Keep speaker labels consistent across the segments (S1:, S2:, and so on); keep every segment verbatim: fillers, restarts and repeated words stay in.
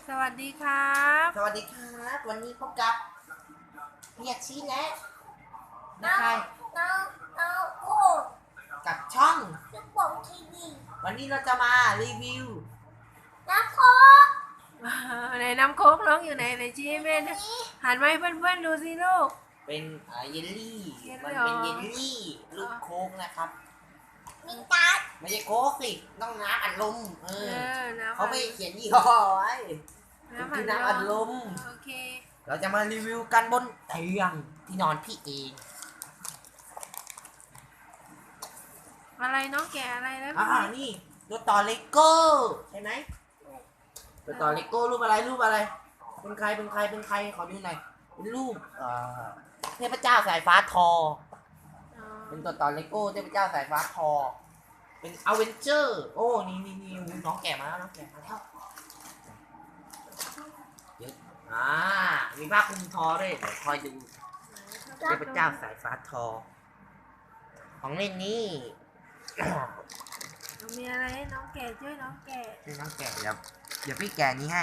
S1: สวัสดีครับ
S2: สวัสดีครับวันนี้พบกับเพียรชี้แนะนะใคร
S3: น้องน้องโอ้
S2: กับช่อง
S3: ลูกโป่งทีวี
S2: วันนี้เราจะมารีวิว
S3: น้ำโคก
S1: ในน้ำโค้กน้องอยู่ไหนในชี้ให้แม่นะหันมาให้เพื่อนๆดูสิลูก
S2: เป็นเยลลี่
S1: เยลลี่
S2: มัน
S1: เหรอ
S2: เป็นเยลลี่ลูกโค้กนะครับ
S3: มีการ์ด
S2: ไม่ใช่โค้กสิต้องน้ำอัดลมเอ
S1: เอ
S2: อ
S1: อน้ำ
S2: เขาไม่เขียนยี่ห้อไว้มัน
S1: น้ำ
S2: คือน้ำอัดลม
S1: โอเค
S2: เราจะมารีวิวกันบนเตียงที่นอนพี่เอง
S1: อะไรน้องแกะอะไรแล้ว
S2: อ่านี่ตัวต่อเลโก้ใช่ไหมตัวต่อเลโก้รูปอะไรรูปอะไรเป็นใครเป็นใครเป็นใครขอดูหน่อยเป็นรูปเอ่อเทพเจ้าสายฟ้าทอ
S1: อ๋อ
S2: เป็นตัวต่อเลโก้เทพเจ้าสายฟ้าทอเป็นอเวนเจอร์โอ้นี่นี่นี่น้องแก่มาแล้วน้องแก่มาแล้วเยอะอ่ามีผ้าคลุมทอด้วยเดี๋ยวคอยดูเทพเจ้าสายฟ้าทอของเล่นนี้
S1: มีอะไรให้น้องแกะช่วยน้องแกะ
S2: นี่น้องแก่เดี๋ยวเดี๋ยวพี่แก่นี้ให้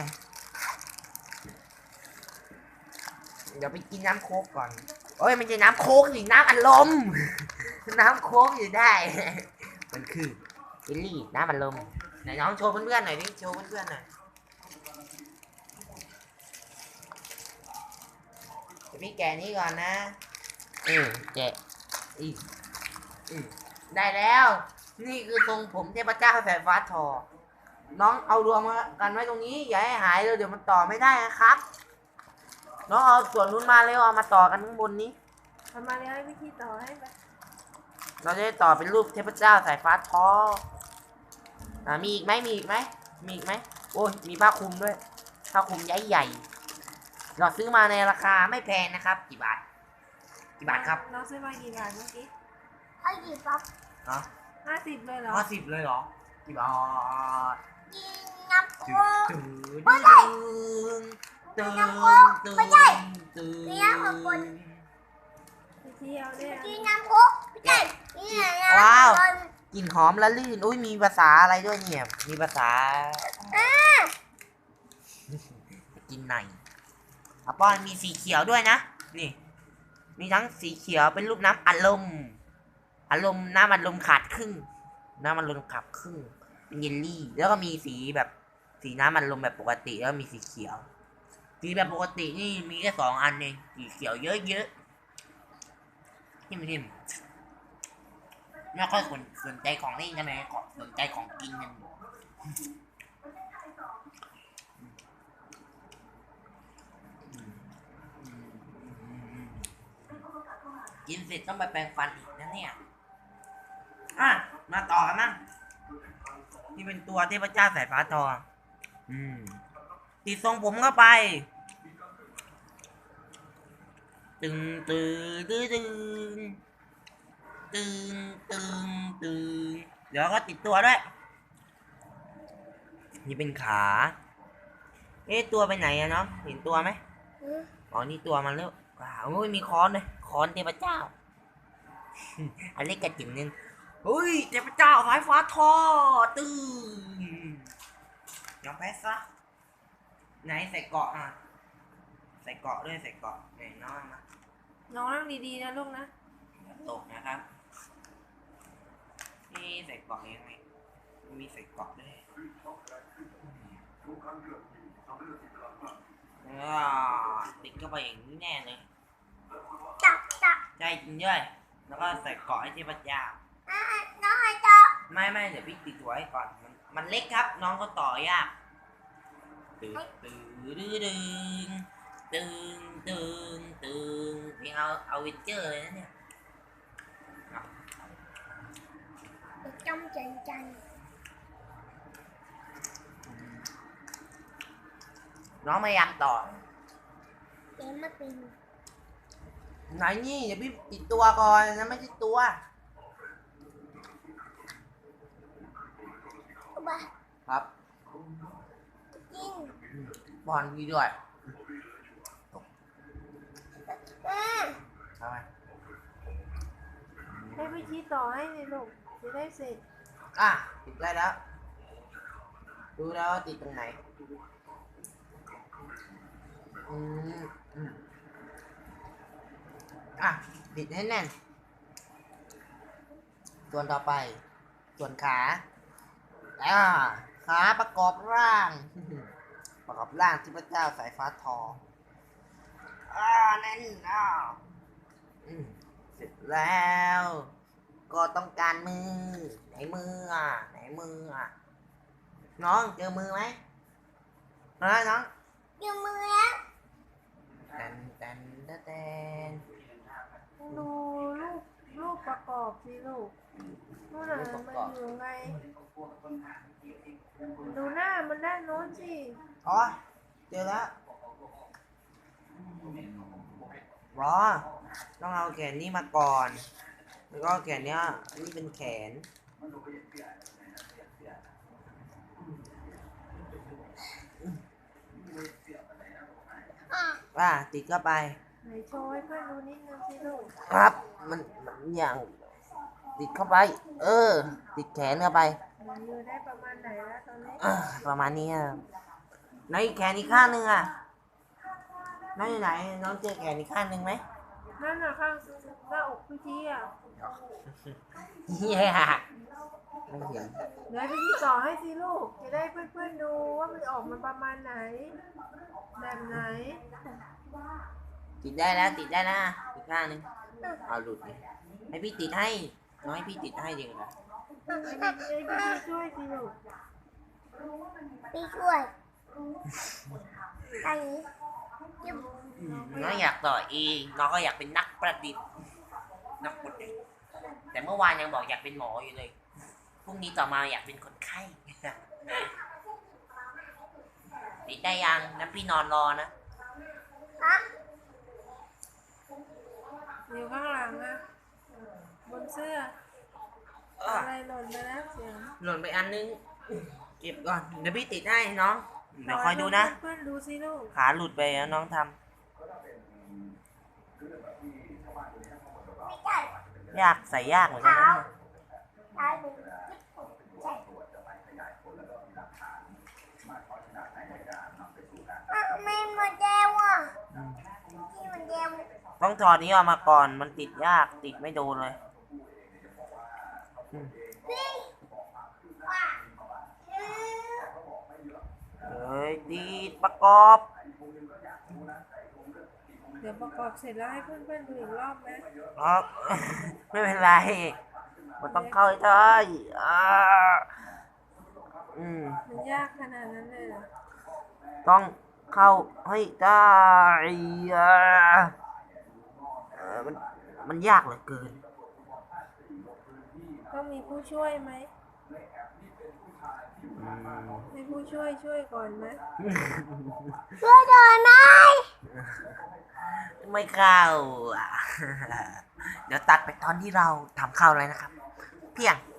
S2: เดี๋ยวไปกินน้ำโค้กก่อนโอ้ยมันจะน้ำโค้กสิน้ำอัดลม น้ำโค้กอยู่ได้ มันคือเยลลี่น้ำอัดลมไหนน้องโชว์เพื่อนๆหน่อยดิโชว์เพื่อนๆหน่อยเดี๋ยวพี่แกะนี้ก่อนนะเออแกะอีกอืมได้แล้ว นี่คือทรงผมเทพเจ้าสายฟ้าทอ น้องเอารวมกันไว้ตรงนี้อย่าให้หายเลยเดี๋ยวมันต่อไม่ได้นะครับ น้องเอาส่วนนู้นมาเลยเอามาต่อกันข้างบนนี้
S1: ทำมาเลยให้วิธีต่อให้ไป
S2: เราจะได้ต่อเป็นรูปเทพเจ้าสายฟ้าทออ่ามีอีกไหมมีอีกไหมมีอีกไหมโอ้ยมีผ้าคลุมด้วยผ้าคลุมใหญ่ใหญ่เราซื้อมาในราคาไม่แพงนะครับกี่บาทกี่บาทครับ
S1: น้องซื้อมากี่บาทเมื่อกี้
S3: ให้หยิบปั๊บ
S2: เนาะ
S1: ห้าสิบเลยเหรอ
S2: ห้าสิบเลยเหรอกี่บาท
S3: กินน้ำโค
S2: ตื่น
S3: ก
S2: ตื่นตื่นตื่นตื่นตื่น
S1: ไปเที่ยวเนี่ย
S3: กินน้ำโคกไม่ใช่นี่น้ำ
S2: ว้าว
S3: อัดลม
S2: กลิ่นหอมละลื่นอุ้ยมีภาษาอะไรด้วยเนี่ย มีภาษากินไหนอ่ะป้อนมีสีเขียวด้วยนะ นี่ มีทั้งสีเขียวเป็นรูปน้ำอัดลมอารมณ์น้ำอัดลมขาดครึ่ง น้ำอัดลมขาดครึ่ง เป็นเยลลี่ แล้วก็มีสีแบบสีน้ำอัดลมแบบปกติ แล้วก็มีสีเขียว สีแบบปกตินี่มีแค่สองอันเอง สีเขียวเยอะๆทิมทิมไม่ค่อยสนสนใจของเล่นใช่ไหมขอสนใจของกินกันกินเสร็จต้องไปแปรงฟันอีกนะเนี่ย อ่ะ มาต่อกันมั้งนี่เป็นตัวเทพเจ้าสายฟ้าทองอืมติดทรงผมเข้าไป ตึงตึงตึงตึงตึงตึงตึงเดี๋ยวก็ติดตัวด้วย นี่เป็นขา เอ๊ะตัวไปไหนอะเนาะเห็นตัวไหมอ๋อนี่ตัวมันแล้วว้าวโอ้ยมีค้อนเลยค้อนเทพเจ้า อันเล็กกระจิ๋มนึงเฮ้ยเทพเจ้าสายฟ้าทอตึงยอมแพ้ซะไหนใส่เกาะอ่ะใส่เกาะด้วยใส่เกาะไหนน้องมา
S1: น้องนั่งดีๆนะลูกนะ
S2: ตกนะครับนี่ใส่เกาะยังไงมีใส่เกาะด้วยอ่าติดเข้าไปอย่างนี้แน่เลย
S3: จับจับ
S2: ใช่จริงด้วยแล้วก็ใส่เกาะให้เทพเจ้า
S3: อ่ะน้องให้จับ
S2: ไม่ไม่เดี๋ยวพี่ติดตัวให้ก่อนมันมันเล็กครับ น้องก็ต่อยากตื่นตื่นตื่นตื่นตื่นตื่นเพลงเอาเอาวินเจอร์เลยนะเนี่ย
S3: จำใจใจ
S2: น้องพยายามต่อ
S3: เอ็มมาตีน
S2: ไหนนี่เดี๋ยวพี่ติดตัวก่อนนะไม่ใช่ตัว
S3: บ้า
S2: ครับ
S3: กิน
S2: บอลพี่ด้วย
S3: อืม
S2: ทำไม
S1: ให้วิธีต่อให้เลยลูกจะได้เสร็จ
S2: อ่ะติดได้แล้ว ดูแล้วว่าติดตรงไหนอืมอืมอ่ะบิดให้แน่น ส่วนต่อไป ส่วนขาอ่าขาประกอบร่าง ประกอบร่างที่พระเจ้าสายฟ้าทออ่าแน่นอ่าอืมเสร็จแล้ว ก็ต้องการมือ ไหนมืออ่ะ ไหนมืออ่ะ น้องเจอมือไหมเฮ้ยน้อง
S3: ยืมมือแล้ว
S2: แตนแตนแตนแตน
S1: ดูรูปรูปประกอบสิลูกนู่นน่ะมันอยู่ไง ดูหน้ามันด้านโน้นสิ
S2: อ๋อ เจอแล้วรอต้องเอาแขนนี้มาก่อน แล้วก็แขนเนี้ยอันนี้เป็นแขน
S3: อ่ะ
S2: ว่าติดเข้าไป
S1: ไหนโชว์ให้เพื่อนดูนิดนึงสิลูก
S2: ครับ มันมันอย่างติดเข้าไป เออ ติดแขนเข้าไป
S1: ไหนอยู่ได้ประมาณไหนแล้วตอนนี้
S2: อ่าประมาณนี้ครับแล้วอีกแขนอีกข้างหนึ่งอ่ะน้องอยู่ไหน น้องเจอแขนอีกข้างหนึ่งไหม
S1: นั่นน่ะข้างหน้าอกพี่ทีอ่ะ
S2: เฮียไม่เห็น
S1: เดี๋ยวพี่ทีต่อให้สิลูก จะได้เพื่อนๆดูว่ามันออกมาประมาณไหน แบบไหน
S2: ติดได้แล้ว ติดได้นะอีกข้างหนึ่งเอาหลุดเลยให้พี่ติดให้น้องให้พี่ติดให้ดีกว่า
S1: ให้พี่ให้พี่ช่วยสิลูก
S3: พี่ช่วยอันนี้ยืม
S2: น้องอยากต่อเองน้องก็อยากเป็นนักประดิษฐ์นักประดิษฐ์แต่เมื่อวานยังบอกอยากเป็นหมออยู่เลยพรุ่งนี้ต่อมาอยากเป็นคนไข้ ติดได้ยังนั้นพี่นอนรอนะ
S3: ฮะ
S1: อยู่ข้างหลังอะบนเสื้อ อะไรหล่นไปแล้วเสียง
S2: หล่นไปอันนึงเก็บก่อนเดี๋ยวพี่ติดให้น้องเดี๋ยวคอยดูนะ
S1: เพื่อนๆดูสิลูก
S2: ขาหลุดไปแล้วน้องท
S3: ไม่ใช่
S2: ำยากใส่ยากเหมือนกันนะ
S3: ตายมือใช่อ่ะไม่มาแก้วอ่ะที่มันแก้ว
S2: ต้องถอดนี้ออกมาก่อนมันติดยากติดไม่โดนเลยอืม
S3: นี่ว่าอืม
S2: เฮ้ยติดประกอบ
S1: เดี๋ยวประกอบเสร็จแล้วให้เพื่อนๆดูอีกรอบไหม
S2: อ๋อ ไม่เป็นไรมันต้องเข้าให้ได้อ่าอืม
S1: มันยากขนาดนั้นเลยเหรอ
S2: ต้องเข้าให้ได้อ่าเออมันมันยากเหลือเกิน
S1: ต้องมีผู้ช่วยไหม
S2: อืม
S1: ให้ผู้ช่วยช่วยก่อนไหม
S3: ช่วยหน่อยไหม
S2: ไม่เข้าอ่ะ เดี๋ยวตัดไปตอนที่เราทำเข้าเลยนะครับ เพียง